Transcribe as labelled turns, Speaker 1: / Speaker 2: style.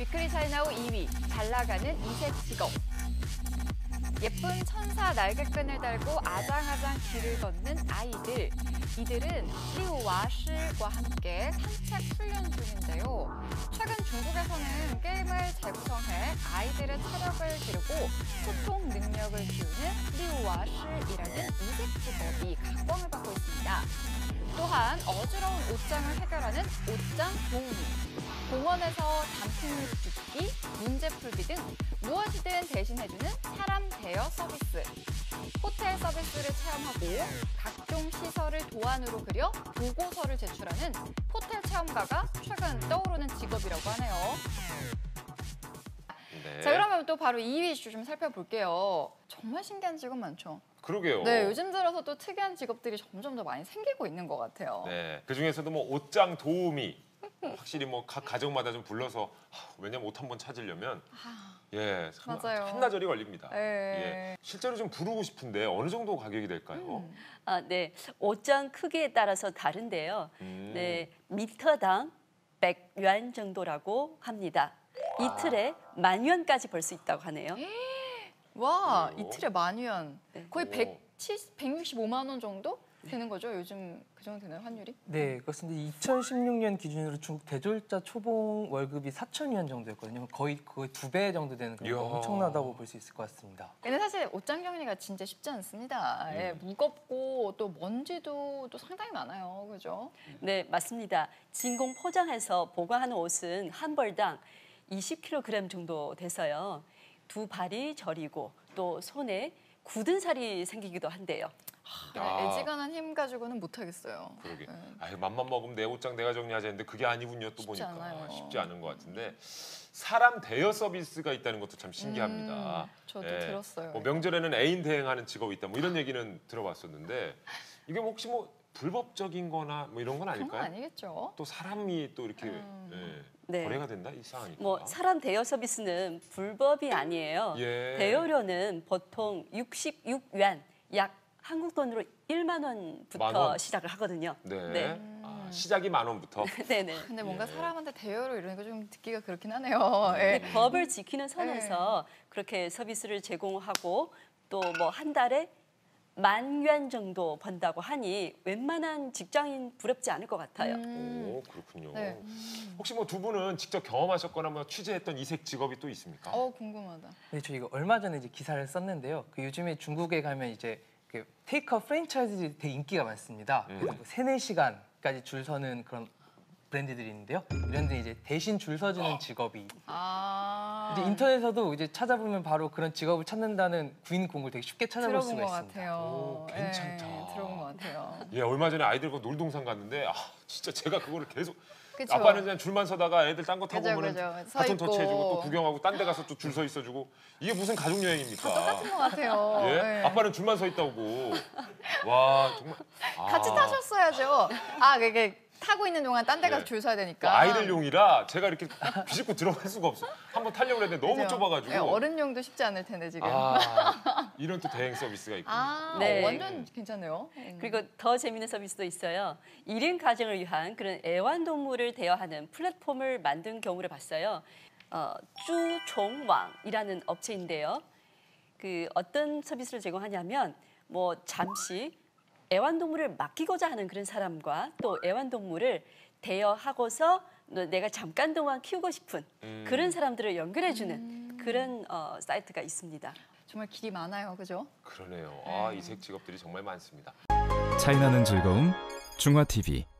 Speaker 1: 위클리 차이나우 2위, 잘 나가는 이색 직업. 예쁜 천사 날개끈을 달고 아장아장 길을 걷는 아이들. 이들은 리우와 실과 함께 산책 훈련 중인데요. 최근 중국에서는 게임을 재구성해 아이들의 체력을 기르고 소통 능력을 키우는 리우와 실이라는 이색 직업이 각광을 받고 있습니다. 또한 어지러운 옷장을 해결하는 옷장 도우미, 공원에서 단풍잎 줍기, 문제 풀기 등 무엇이든 대신해주는 사람 대여 서비스, 호텔 서비스를 체험하고 각종 시설을 도안으로 그려 보고서를 제출하는 호텔 체험가가 최근 떠오르는 직업이라고 하네요.
Speaker 2: 네.
Speaker 1: 자, 그러면 또 바로 2위 이슈 좀 살펴볼게요. 정말 신기한 직업 많죠?
Speaker 2: 그러게요.
Speaker 1: 네, 요즘 들어서 또 특이한 직업들이 점점 더 많이 생기고 있는 것 같아요.
Speaker 2: 네, 그 중에서도 뭐 옷장 도우미 확실히 뭐 각 가정마다 좀 불러서 왜냐면 옷 한 번 찾으려면 예,
Speaker 1: 맞아요.
Speaker 2: 한나절이 걸립니다.
Speaker 1: 네.
Speaker 2: 예, 실제로 좀 부르고 싶은데 어느 정도 가격이 될까요?
Speaker 3: 네, 옷장 크기에 따라서 다른데요. 네, 미터당 100yuan 정도라고 합니다. 이틀에 10,000yuan까지 벌 수 있다고 하네요.
Speaker 1: 와,
Speaker 2: 그래요?
Speaker 1: 이틀에 10,000yuan.
Speaker 3: 네.
Speaker 1: 거의
Speaker 2: 오.
Speaker 1: 165만 원 정도 되는 거죠? 요즘 그 정도 되나요, 환율이?
Speaker 4: 네, 그렇습니다. 2016년 기준으로 중국 대졸자 초봉 월급이 4,000yuan 정도였거든요. 거의 그거의 2배 정도 되는 그런
Speaker 2: 이야.
Speaker 4: 엄청나다고 볼 수 있을 것 같습니다.
Speaker 1: 근데 사실 옷장 정리가 진짜 쉽지 않습니다. 예, 무겁고 또 먼지도 또 상당히 많아요. 그죠?
Speaker 3: 네, 맞습니다. 진공 포장해서 보관하는 옷은 한 벌당 20kg 정도 돼서요. 두 발이 저리고 또 손에 굳은 살이 생기기도 한데요.
Speaker 2: 아.
Speaker 1: 애지간한 힘 가지고는 못 하겠어요.
Speaker 2: 그러게.
Speaker 1: 네.
Speaker 2: 아유, 맘만 먹으면 내 옷장 내가 정리하자 했는데 그게 아니군요. 또
Speaker 1: 쉽지
Speaker 2: 보니까
Speaker 1: 않아요.
Speaker 2: 쉽지 않은 것 같은데 사람 대여 서비스가 있다는 것도 참 신기합니다.
Speaker 1: 저도
Speaker 2: 예,
Speaker 1: 들었어요.
Speaker 2: 뭐 명절에는 애인 대행하는 직업이 있다. 뭐 이런 얘기는 들어봤었는데 이게 뭐 혹시 뭐 불법적인거나 뭐 이런 건
Speaker 1: 그런 건
Speaker 2: 아닐까요?
Speaker 1: 아니겠죠.
Speaker 2: 또 사람이 또 이렇게 예,
Speaker 3: 네.
Speaker 2: 거래가 된다 이상하니까.
Speaker 3: 뭐 사람 대여 서비스는 불법이 아니에요.
Speaker 2: 예.
Speaker 3: 대여료는 보통 66yuan, 약 한국 돈으로 1만 원부터
Speaker 2: 만 원?
Speaker 3: 시작을 하거든요.
Speaker 2: 네.
Speaker 3: 네.
Speaker 2: 아, 시작이 10,000원부터.
Speaker 3: 네네.
Speaker 1: 근데 뭔가
Speaker 2: 예.
Speaker 1: 사람한테 대여로 이러니까 좀 듣기가 그렇긴 하네요.
Speaker 3: 근데
Speaker 1: 예.
Speaker 3: 법을 지키는 선에서 그렇게 서비스를 제공하고 또 뭐 한 달에 10,000yuan 정도 번다고 하니 웬만한 직장인 부럽지 않을 것 같아요.
Speaker 2: 오, 그렇군요.
Speaker 1: 네.
Speaker 2: 혹시 뭐 두 분은 직접 경험하셨거나 뭐 취재했던 이색 직업이 또 있습니까?
Speaker 1: 궁금하다.
Speaker 4: 네, 저 이거 얼마 전에 이제 기사를 썼는데요. 그 요즘에 중국에 가면 이제 그 테이크아웃 프랜차이즈 되게 인기가 많습니다. 그래서 뭐 3-4시간까지 줄 서는 그런 브랜드들이 있는데요. 이런 데 이제 대신 줄 서주는 직업이 이제 인터넷에서도 이제 찾아보면 바로 그런 직업을 찾는다는 구인 공고를 되게 쉽게 찾아볼
Speaker 1: 들어본
Speaker 4: 수가
Speaker 1: 것
Speaker 4: 있습니다.
Speaker 1: 같아요.
Speaker 2: 오, 괜찮다.
Speaker 1: 예, 들어본 것 같아요.
Speaker 2: 예, 얼마 전에 아이들과 놀동산 갔는데 진짜 제가 그거를 계속
Speaker 1: 그쵸?
Speaker 2: 아빠는 그냥 줄만 서다가 애들 딴 거 타고
Speaker 1: 그죠,
Speaker 2: 오면
Speaker 1: 그죠. 서
Speaker 2: 바톤
Speaker 1: 있고.
Speaker 2: 터치해주고 또 구경하고 딴 데 가서 또 줄 서 있어주고 이게 무슨 가족 여행입니까?
Speaker 1: 똑같은 것 같아요.
Speaker 2: 예?
Speaker 1: 예.
Speaker 2: 아빠는 줄만 서 있다고. 와 정말.
Speaker 1: 같이 타셨어야죠. 그게 타고 있는 동안 딴 데 가서
Speaker 2: 예.
Speaker 1: 줄 서야
Speaker 2: 또
Speaker 1: 되니까.
Speaker 2: 아이들용이라 제가 이렇게 비집고 들어갈 수가 없어. 한번 타려고 했는데 너무
Speaker 1: 그죠?
Speaker 2: 좁아가지고.
Speaker 1: 예, 어른용도 쉽지 않을 텐데 지금.
Speaker 2: 이런 또 대행 서비스가 있군요.
Speaker 3: 네.
Speaker 1: 완전 괜찮네요.
Speaker 3: 그리고 더 재미있는 서비스도 있어요. 1인 가정을 위한 그런 애완동물을 대여하는 플랫폼을 만든 경우를 봤어요. 쭈종왕이라는 업체인데요. 그 어떤 서비스를 제공하냐면 뭐 잠시 애완동물을 맡기고자 하는 그런 사람과 또 애완동물을 대여하고서 내가 잠깐 동안 키우고 싶은 그런 사람들을 연결해주는 그런 사이트가 있습니다.
Speaker 1: 정말 길이 많아요, 그죠?
Speaker 2: 그러네요. 이색 직업들이 정말 많습니다.
Speaker 5: 차이나는 즐거움 중화TV